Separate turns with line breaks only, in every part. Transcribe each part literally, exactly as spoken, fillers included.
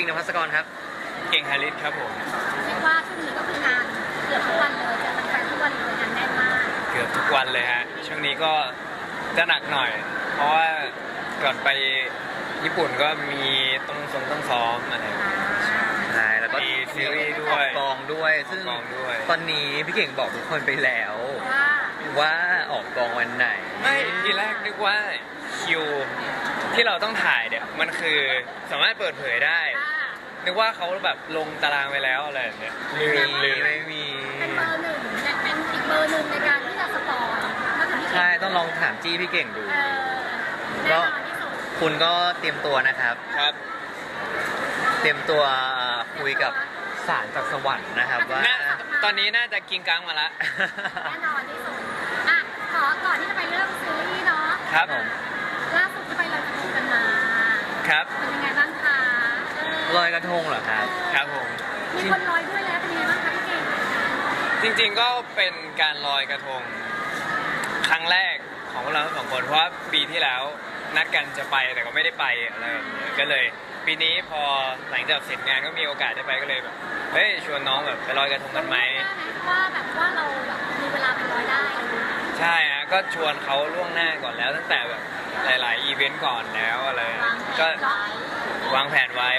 นภัสกรครับ
เก่งฮาริสครับผม
เรียกว่าช่วงนี้ก็คืองานเกือบทุกวันเลยเจอแฟนๆทุกวันเลยงานแน่นมาก
เกือบทุกวันเลยฮะช่วงนี้ก็จะหนักหน่อยเพราะว่าก่อนไปญี่ปุ่นก็มีต้องส่งต้องซ้อมอะไร
ใช่แล้วก็
มีซีรีส์ด้วย
กองด้วยซึ่งตอนนี้พี่เก่งบอกทุกคนไปแล้วว่าออกกองวันไหน
ไม่ทีแรกนึกว่าคิวที่เราต้องถ่ายเนี่ยมันคือสามารถเปิดเผยได้นึกว่าเขาแบบลงตารางไปแล้วอะไรแบบเนี้ยลืมลืม
ไม่มี
เป็นเบอร์หนึ่งเป็นอีกเบอร์หนึ่งในการที่จะสปอย
ใช่ต้องลองถามจี้พี่เก่งดูก็คุณก็เตรียมตัวนะครับ
ครับ
เตรียมตัวคุยกับสารจากสวรรค์นะครับว่า
ตอนนี้น่าจะกินกังมาละ
แน่นอนที่สุดอ่ะขอก่อนที่จะไปเริ่มซีรีส์เนาะ
ครับผม
ล่าสุดที่ไปลอยกระทงกันมา
ครับ
เป็นยังไงบ้างคะ
ลอยกระทงเหรอครับ
ครับผม
มีคนลอยด้วยแล้วเป็นยังไงบ้างคะพี่เก่ง
จริงๆก็เป็นการลอยกระทงครั้งแรกของพวกเราทั้งสองคนเพราะว่าปีที่แล้วนัดกันจะไปแต่ก็ไม่ได้ไปอะไรแบบนี้ก็เลยปีนี้พอหลังจากเสร็จงานก็มีโอกาสได้ไปก็เลยแบบเฮ้ยชวนน้องแบบไปลอยกระทงกันไหม
ว่าแบบว่าเราแบบมีเวลาไปลอยได้
ใช่ฮะก็ชวนเขาล่วงหน้าก่อนแล้วตั้งแต่แบบหลายๆอีเวนต์ก่อนแล้วอะไรก็วางแผนไว้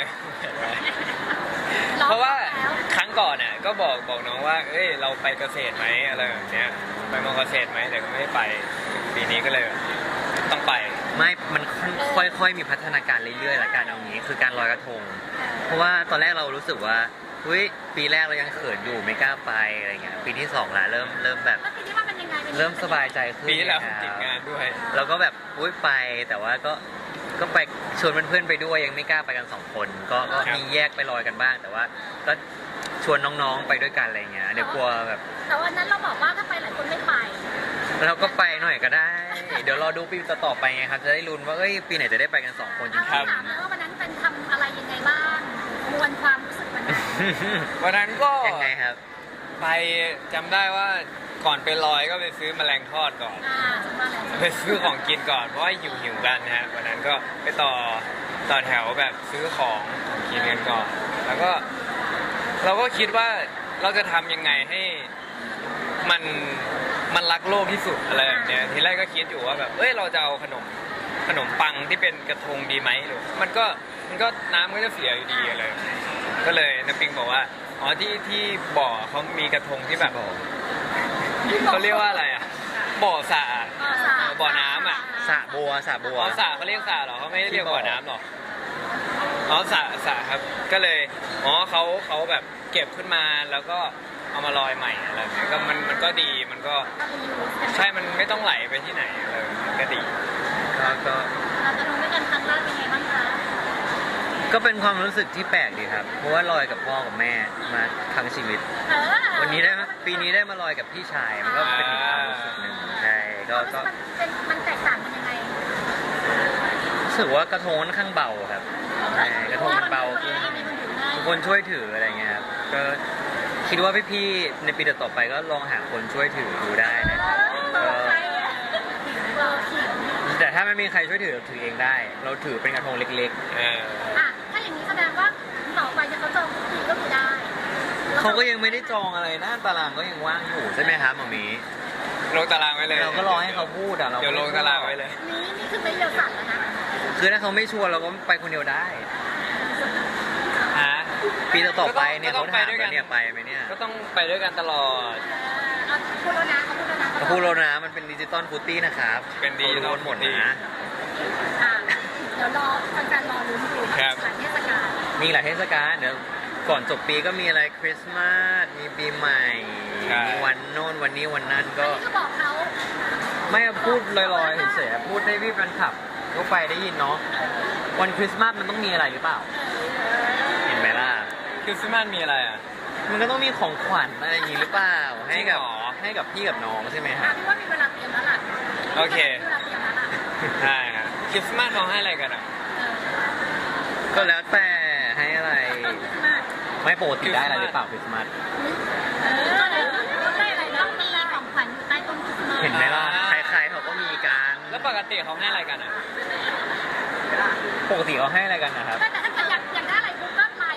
เพราะว่าครั้งก่อนน่ะก็บอกบอกน้องว่าเอ้ยเราไปเกษตรไหมอะไรแบบเนี้ยไปมอเกษตรไหมแต่ก็ไม่ได้ไปปีนี้ก็เลยต้องไป
ไม่มันค่อยๆมีพัฒนาการเรื่อยๆละกันเอางี้คือการลอยกระทงเพราะว่าตอนแรกเรารู้สึกว่าเฮ้ยปีแรกเรายังเขินอยู่ไม่กล้าไปอะไรเงี้ยปีที่สองละเริ่มเริ่มแบบเริ่มสบายใจขึ้น
ปีแล้วติดงานด้วย
เราก็แบบอุ้ยไปแต่ว่าก็ก็ไปชวนเพื่อนๆไปด้วยยังไม่กล้าไปกันสองคนก็ก็มีแยกไปลอยกันบ้างแต่ว่าก็ชวนน้องๆไปด้วยกันอะไรเงี้ยเดี๋ยวกลัวแบบ
แต่วันนั้นเราบอกว่าถ้าไปหลายคนไม่ไป
เราก็ไปหน่อยก็ได้เดี๋ยวรอดูปีต่อไปไงครับจะได้ลุ้นว่าเอ้ยปีไหนจะได้ไปกันสองคนจริงๆ
ถามนะว่าวันนั้นเป็นทำอะไรยังไงบ้างมวลความรู้สึกวันนั้น
วันนั้นก็
ยังไงครับ
ไปจำได้ว่าก่อนไปลอยก็ไปซื้อแมลงทอดก่อนไปซื้อของกินก่อนเพราะว่าหิวหิวกันนะฮะวันนั้นก็ไปต่อต่อแถวแบบซื้อของของกินกันก่อนแล้วก็เราก็คิดว่าเราจะทำยังไงให้มันมันรักโลกที่สุดอะไรแบบเนี้ยทีแรกก็คิดอยู่ว่าแบบเอ้ยเราจะเอาขนมขนมปังที่เป็นกระทงดีไหมหรือมันก็มันก็น้ำก็จะเสียอยู่ดีอะไรก็เลยน้ำปิงบอกว่าอ๋อที่ที่บ่อเขามีกระทงที่แบบเขาเรียกว่าอะไรอ่ะบ่อสระบ่อน้ำอ่ะ
สระบัวสระบัว
อ๋อสระเขาเรียกสระเหรอเขาไม่เรียกบ่อน้ำหรออ๋อสระสระครับก็เลยอ๋อเขาเขาแบบเก็บขึ้นมาแล้วก็เอามาลอยใหม่อะไรแบบนี้ก็มันมันก็ดีมันก็ใช่มันไม่ต้องไหลไปที่ไหนอะไรก็ดี
แล้วก็
เราจะลงด้วยกันครั้งแรกเป็นไงบ้างคะ
ก็เป็นความรู้สึกที่แปลกดีครับเพราะว่าลอยกับพ่อกับแม่มาทั้งชีวิตวันนี้ได้ปีนี้ได้มาลอยกับพี่ชายมันก็เป็นอีกความรู้สึกหนึ่งใช่ก็ก็
มันแตกต่างกันยังไง
รู้สึกว่ากระทงค่อนข้างเบาครับกระทงมันเบาทุกคนช่วยถืออะไรเงี้ยครับก็คิดว่าพี่ๆในปีต่อไปก็ลองหาคนช่วยถือดูได้นะครับแต่ถ้าไม่มีใครช่วยถือเราถือเองได้เราถือเป็นกระทงเล็ก
ๆอ่ะถ้าอย่างนี้แสดงว่าต่อไปจะเขาจองทุกทีก็คือได้
เขาก็ยังไม่ได้จองอะไรนะตารางก็ยังว่างอยู่ใช่ไหมครับหมอมี
ลงตารางไว้เลย
เราก็รอให้เขาพูดอ่ะเรา
เดี๋ยวลงตารางไว้เลย
นี่นี่คือไม่เดียวสั่นแล้วนะ
คือถ้าเขาไม่ชวนเราก็ไปคนเดียวได้
ฮะ
ปีต่อไปเนี่ยเขาถามว่าเนี่ยไปไหมเนี่ย
ก็ต้องไปด้วยกันตลอด
พูดแล้วนะ
เขาพูดแล้วนะมันเป็นดิจิตอลฟูตี้นะครับ
เป็นดิจิตอล
หมดนะ
เดี๋ยวรอแฟนๆรอลุ้นดูหลายเทศกาล
มีหลายเทศกาลเดี๋ยวก่อนจบปีก็มีอะไรคริสต์มาสมีปีใหม่มีวันโน้นวันนี้วันนั้นก็
บอกเขา
ไม่พูดลอยๆเฉยๆพูดให้พี่แฟนคลับก็ไปได้ยินเนาะวันคริสต์มาสมันต้องมีอะไรหรือเปล่าเห็นไหมล่ะ
คริสต์มาสมีอะไรอ่ะ
มันก็ต้องมีของขวัญอะไรอย่างนี้หรือเปล่าให้กับให้กับพี่กับน้องใช่ไหมครับ
พี่ว่ามีเวลาเตรียมแล้วล่ะ
โอเคใช่ครับคริสต์มาสเขาให้อะไรกันอ่ะ
ก็แล้วแต่ให้อะไรไม่ปกติได้อะไรหรือเปล่าคริสต์มาส
เออต้องได้อะไรต้องมีของขวัญอยู่ใต้ต้นคริสต์มาส
เห็นไหมล่ะใครๆเขาก็มีกัน
แล้วปกติเขาให้อะไรกันอ่ะ
ปกติเขาให้อะไรกันนะครับ
แต่ถ้าเกิดอยากอยากได้อะไรปุ๊บก็ไล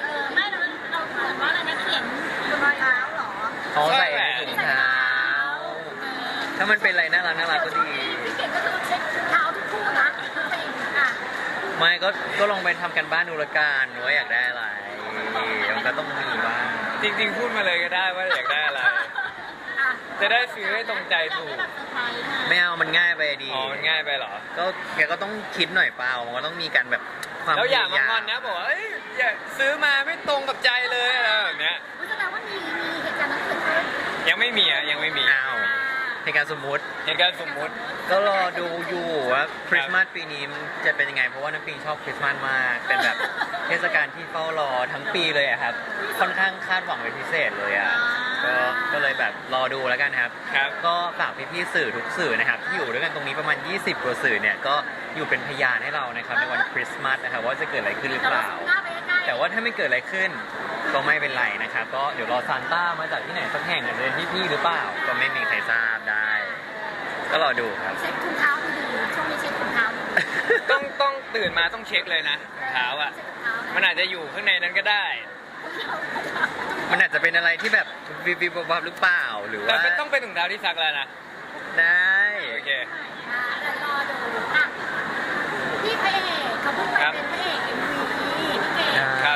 เขาใส่ถุงเท้า ถ้ามันเป็นอะไรน่ารักน่ารักก็ดี
พี่เก่งก็คือเช็คเท้าทุกคู่นะตัวเองอ่ะ
ไม่ก็ก็ลองไปทำกันบ้านดูละกันว่าอยากได้อะไรมันก็ต้องมีบ้าง
จริงๆพูดมาเลยก็ได้ว่าอยากได้อะไร
อ่ะ
จะได้ซื้อให้ตรงใจถูก
แบบเซอร์ไพรส์นะ
ไม่เอามันง่ายไปดี
อ๋อมันง่ายไปเหรอ
ก็แกก็ต้องคิดหน่อยเปล่ามันก็ต้องมีการแบบความ
แล้วอย่า
พ
มางอนนะบอกว่าเอ้ยอย่าซื้อมาไม่ตรงกับใจเลยอะไรแบบเนี้ย
อุ๊ยแสดงว่ามีมีเหตุการณ์นั้นเกิดขึ้น
ยังไม่มีอ่ะยังไม่มี
อ้าวในการสมมุติ
เหตุการณ์สมมุติ
ก็รอดูอยู่ว่าคริสต์มาสปีนี้มันจะเป็นยังไงเพราะว่าน้ำปิงชอบคริสต์มาสมากเป็นแบบเทศกาลที่เฝ้ารอทั้งปีเลยอะครับค่อนข้างคาดหวังเป็นพิเศษเลยอะก็ก็เลยแบบรอดูแล้วกันครับ
ครับ
ก็ฝากพี่ๆสื่อทุกสื่อนะครับที่อยู่ด้วยกันตรงนี้ประมาณ ยี่สิบกว่าสื่อเนี่ยก็อยู่เป็นพยานให้เรานะครับในวันคริสต์มาสนะครับว่าจะเกิดอะไรขึ้นหรือ
เดี๋ยว
เป
เรา
ล่า
ซูมหน้าไปใกล้ๆ
แต่ว่าถ้าไม่เกิดอะไรขึ้นก็ไม่เป็นไรนะครับก็เดี๋ยวรอซานต้ามาจากที่ไหนสักแห่งอาจจะเป็นพี่ๆหรือเปล่า ก็ไม่มีใครทราบได้ ก็รอดูครับ
เช็คถุงเท้าดีๆช่วงนี้เช็คถุงเท้าดีๆ
ต้องต้องตื่นมาต้องเช็คเลยนะรองเท้าอ่ะ
เช็คถุงเท้า
มันอาจจะอยู่ข้างในนั้นก็ได้
มันอาจจะเป็นอะไรที่แบบวิบวิบวับวับหรือเปล่าหรือ
แต่
ว่า
ไม่ต้องเป็นถุงเท้าที่ซักแล้วนะ
ได้
โอเค
อ่าเดี๋ยวรอดูอ่ะพี่พระเอกเขาเพิ่งไปเป็นพระเอกเอ็มวีพี่เก่ง
ครับ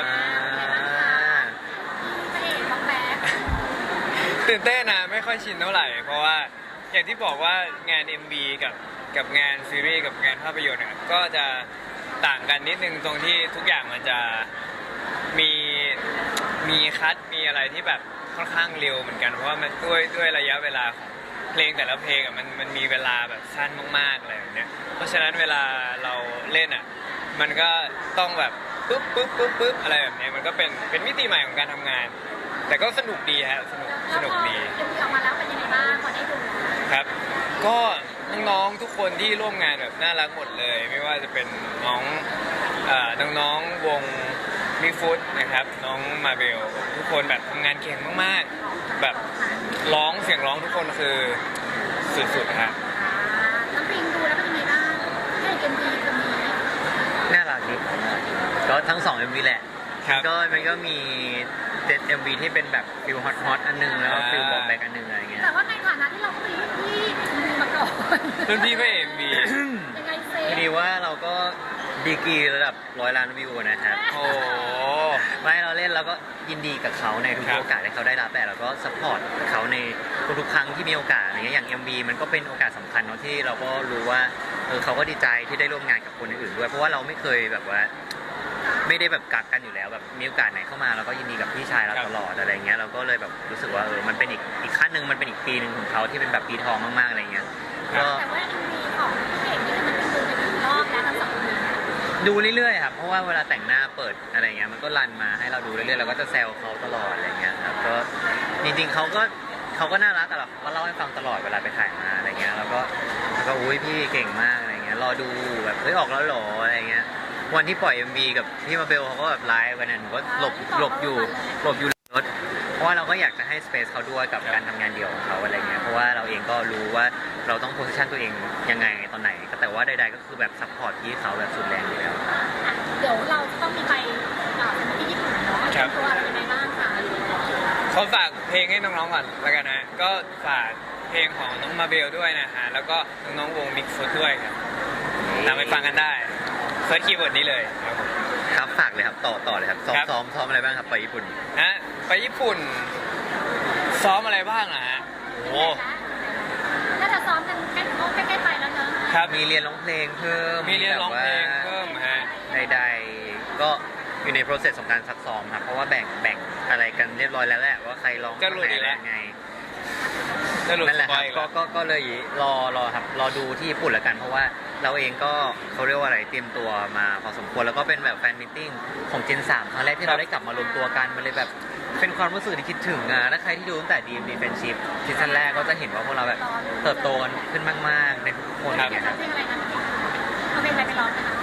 พระเอกบอกแบ๊ก
ตื่นเต้นนะไม่ค่อยชินเท่าไหร่ เพราะว่าอย่างที่บอกว่างาน เอ็ม วี กับกับงานซีรีส์กับงานภาพยนตร์เนี่ยก็จะต่างกันนิดนึงตรงที่ทุกอย่างมันจะมีมีคัดมีอะไรที่แบบค่อนข้างเร็วเหมือนกันเพราะว่ามันด้วยด้วยระยะเวลาของเพลงแต่ละเพลงอ่ะมันมันมีเวลาแบบสั้นมากๆอะไรแบบเนี้ยเพราะฉะนั้นเวลาเราเล่นอ่ะมันก็ต้องแบบปุ๊บปุ๊บปุ๊บปุ๊บอะไรแบบเนี้ยมันก็เป็นเป็นมิติใหม่ของการทำงาน แต่ก็สนุกดีฮะสนุกสนุกดี
เอ็มวีออกมาแล้วเป็นยังไงบ้างพอได้ดู
ครับ ก็น้องๆทุกคนที่ร่วมงานแบบน่ารักหมดเลย ไม่ว่าจะเป็นน้องเอ่อน้องๆวงมิฟุตนะครับ น้องมาเบลทุกคนแบบทำงานเก่งมากๆ แบบร้องเสียงร้องทุกคนคือสุดๆครับ
น้ำปิงดูแล้วเป็นยังไงบ้างพระเอกเอ็มวีคนนี้
น่ารักดีก็ทั้งสอง เอ็ม วี แหละ
ครับ
ก็มันก็มีเจ็ด เอ็ม วี ที่เป็นแบบฟิลฮอตฮอตอันหนึงแล้วก็ฟิลบอมแบกอันหนึงอะไรเงี้ย
แต่ว่าในฐานะที่เราก็เป็นรุ่นพี่เอ็มวีมาก่อน
รุ่นพี่พระเอ็มวี
ยังไงเซ
พอดีว่าเราก็ดีกรีระดับร้อยล้านวิวนะครับ
โอ้โห
ไม่เราเล่นเราก็ยินดีกับเขาในทุก
ครับ
โอกาสที่เขาได้รับแต่เราก็สปอร์ตเขาในทุกๆครั้งที่มีโอกาสอะไรเงี้ยอย่าง เอ็ม วี มันก็เป็นโอกาสสำคัญเนาะที่เราก็รู้ว่าเออเขาก็ดีใจที่ได้ร่วมงานกับคนอื่นๆด้วยเพราะว่าเราไม่เคยแบบว่า ไม่ได้แบบกักกันอยู่แล้วแบบมีโอกาสไหนเข้ามาเราก็ยินดีกับพี่ชายเรา
ครับ
ตลอดอะไรเงี้ยเราก็เลยแบบรู้สึกว่าเออมันเป็นอีกอีกขั้นหนึ่งมันเป็นอีกปีหนึ่งของเขาที่เป็นแบบปีทองมากๆอะไรเงี้ยก็
แต่ว่าเอ็มวีของพระเอกนี่มันเป็นดูไปถึงรอบแล้วทั้งสองคน
ดูเรื่อยๆครับเพราะว่าเวลาแต่งหน้าเปิดอะไรเงี้ยมันก็รันมาให้เราดูเรื่อยๆเราก็จะแซวเขาตลอดอะไรเงี้ยครับก็จริงๆเขาก็เขาก็น่ารักกับเราเขาเล่าให้ฟังตลอดเวลาไปถ่ายมาอะไรเงี้ยแล้วก็แล้วก็อุ้ยพี่เก่งมากอะไรเงี้ยรอดูแบบเฮ้ยออกแล้วเหรออะไรเงี้ยวันที่ปล่อย เอ็ม วี กับพี่มาเบลเขาก็แบบไลฟ์วันนั้นหนูก็หลบหลบอยู่หลบอยู่ในรถเพราะว่าเราก็อยากจะให้สเปซเขาด้วยกับการทำงานเดี่ยวของเขาอะไรเงี้ยเพราะว่าเราเองก็รู้ว่าเราต้องโพสิชันตัวเองยังไงตอนไหนก็แต่ว่าใดๆก็คือแบบซัพพอร์ตพี่เขาแบบสุดแรงอยู่แล้ว
อ่ะเดี๋ยวเราจะต้องมีไปอ่าเป็นที่ญี่ปุ่นเนาะ
ครับ
ตัวอะไรยังไงบ้างคะ
เขาฝากเพลงให้น้องๆก่อนแล้วกันนะ ก็ฝากเพลงของน้องมาเบลด้วยนะฮะ แล้วก็น้องๆวงมิกซ์ฟุตด้วยครับตามไปฟังกันได้เซิร์ชคีย์เวิร์ดนี้เลยครับผม
ครับฝากเลยครับต่อต่อเลยครับซ้อม
ครับ
ซ้อมซ้อมอะไรบ้างครับไปญี่ปุ่น
ฮะไปญี่ปุ่น ซ้อมอะไรบ้างอะฮะโอ้
น่าจะซ้อมกันใกล้ใกล้ๆไปแล้วเนอะ
ครับ
มีเรียนร้องเพลงเพิ่ม
มีเรียนร้องเพลง
แบบว่า
เพิ่มฮะ
ใดๆก็อยู่ใน process ของการซักซ้อมครับเพราะว่าแบ่งแบ่งอะไรกันเรียบร้อยแล้วแหละว่าใครร้อง
จะหลุดอีกแล้ว
ยังไง
จะหลุด
นั่น
ส
แหละ
ป
ค
อ
รั
ย
บ
อีก
ก็
แล้ว
ก็ก็เลยรอรอครับรอดูที่ญี่ปุ่นแล้วกัน เพราะว่าเราเองก็เขาเรียกว่าอะไรเตรียมตัวมาพอสมควรแล้วก็เป็นแบบแฟนมิทติ้งของเจนสามครั้งแรกที่เราได้กลับมารวมตัวกันมันเลยแบบเป็นความรู้สึกที่คิดถึงอ่ะถ้าใครที่ดูตั้งแต่ ดี เอ็ม ดี Friendship ซีซั่นแรกก็จะเห็นว่าพวกเราแบบเติบโตกันขึ้นมากๆในทุกๆคนอย่างเงี้ยครับ
เพลงอะไรนะเอาเพลงอะไรไปร้องนะคะ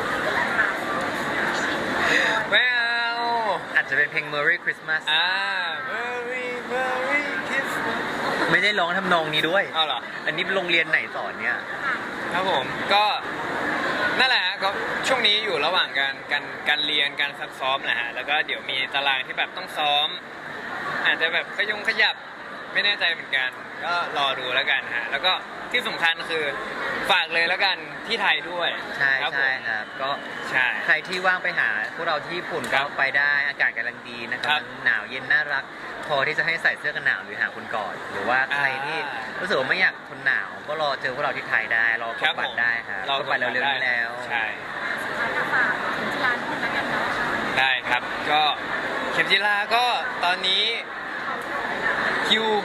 ไม่เอา
อาจจะเป็นเพลง Merry Christmas
อ่า Merry Merry Christmas
ไม่ได้ร้องทำนองนี้ด้วย
เอาเหรอ
อันนี้โรงเรียนไหนสอนเนี่ย
ครับผมก็นั่นแหละฮะก็ช่วงนี้อยู่ระหว่างการการการเรียนการซักซ้อมแหละฮะแล้วก็เดี๋ยวมีตารางที่แบบต้องซ้อม อาจจะแบบขยงขยับไม่แน่ใจเหมือนกัน ก็รอดูแล้วกันฮะแล้วก็ที่สำคัญคือฝากเลยแล้วกันที่ไทยด้วย
ใช่
ครับผม
ใช่ครับ ก็
ใช่
ใครที่ว่างไปหาพวกเราที่ญี่ปุ่น
ครั
ก็
บ
ไปได้อากาศกำลังดีนะค
ครั
รับบ หนาวเย็นน่ารัก พอที่จะให้ใส่เสื้อกันหนาวหรือหาคุณก่อน หรือว่าใครที่
อ่า
รู้สึกว่าไม่อยากทนหนาว ก็รอเจอพวกเราที่ไทยได้รอก
ครั
ด
บ
บัต
ผม
รได้ครับ
รอก
ดบัตรเร็วๆนี้แล้ว
ใช่
สุดท้ายก็ฝากถึงจีรานิดนึงแล้วกันเนาะ
ได้ครับ ก็เข็มจิลาก็ตอนนี้คิว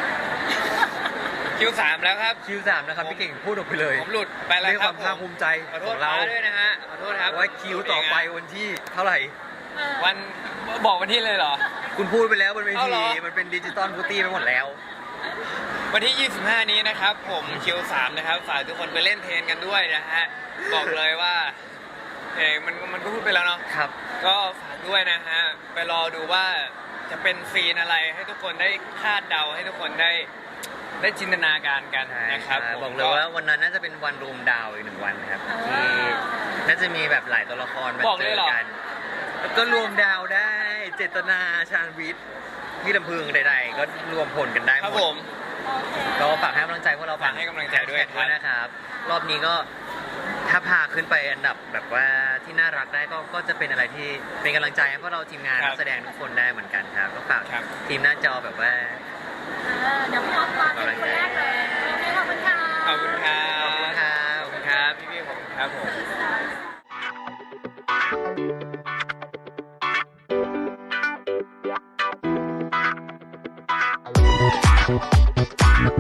คิวสามแล้วครับ
คิวสามนะครับพี่เก่งพูดออกไปเลย
ผมหลุดไปแล้ว
ด้วย
ค
ครับ วามภาคภูมิใจ
ขอโท
ขอ
ษ
งเรา
ฟ้าด้วยนะฮะขอโทษครับ
ว่าคิวต่อไปวันที่เท่าไหร่
เออ
วันบอกวันที่เลยเหรอ
คุณพูดไปแล้วบนเว
เอา
ที
เหรอ
มันเป็นดิจิตอลฟูตี้ไปหมดแล้ว
วันที่ ยี่สิบห้า นี้นะครับ ผมคิวสามนะครับฝากทุกคนไปเล่นเทรนกันด้วยนะฮะบอกเลยว่าเอยมันมันก็พูดไปแล้วเนาะ
ครับ
ก็ฝากด้วยนะฮะไปรอดูว่าจะเป็นซีนอะไรให้ทุกคนได้คาดเดาให้ทุกคนได้ได้จินตนาการกัน
ใช่
นะครับ
ใช่
ผม
บอกเลยว่าวันนั้นน่าจะเป็นวันรวมดาวอีกหนึ่งวันนะครับที่น่าจะมีแบบหลายตัวละครมา
บอก
เจ
เลย
อ
เหรอ
กันแล้วก็รวมดาวได้ เจตนาชาญวิทย์พี่ลำพึงใดๆ ก็รวมผลกันได้ห
ครับ
ม
ผ
ด
ม
โอเค
ก็ฝากให้กำลังใจพวกเรา
ฝากให้กำลังใจด้วย
แฮชแท็กนะครับ รอบนี้ก็ถ้าพาขึ้นไปอันดับแบบว่าที่น่ารักได้ก็ก็จะเป็นอะไรที่เป็นกำลังใจให้พวกเราทีมงาน
ครับ
นักแสดงทุกคนได้เหมือนกันครับก็ฝาก
ครับ
ทีมหน้าจอแบบว่า
เออเดี๋ยวพี่ออฟมาเป็นคนแรกเลยโอเคขอบคุณค่ะ
ขอบคุณครับ
ขอบคุณครับ
ขอบคุณครับพี่ๆผมครับผม
เ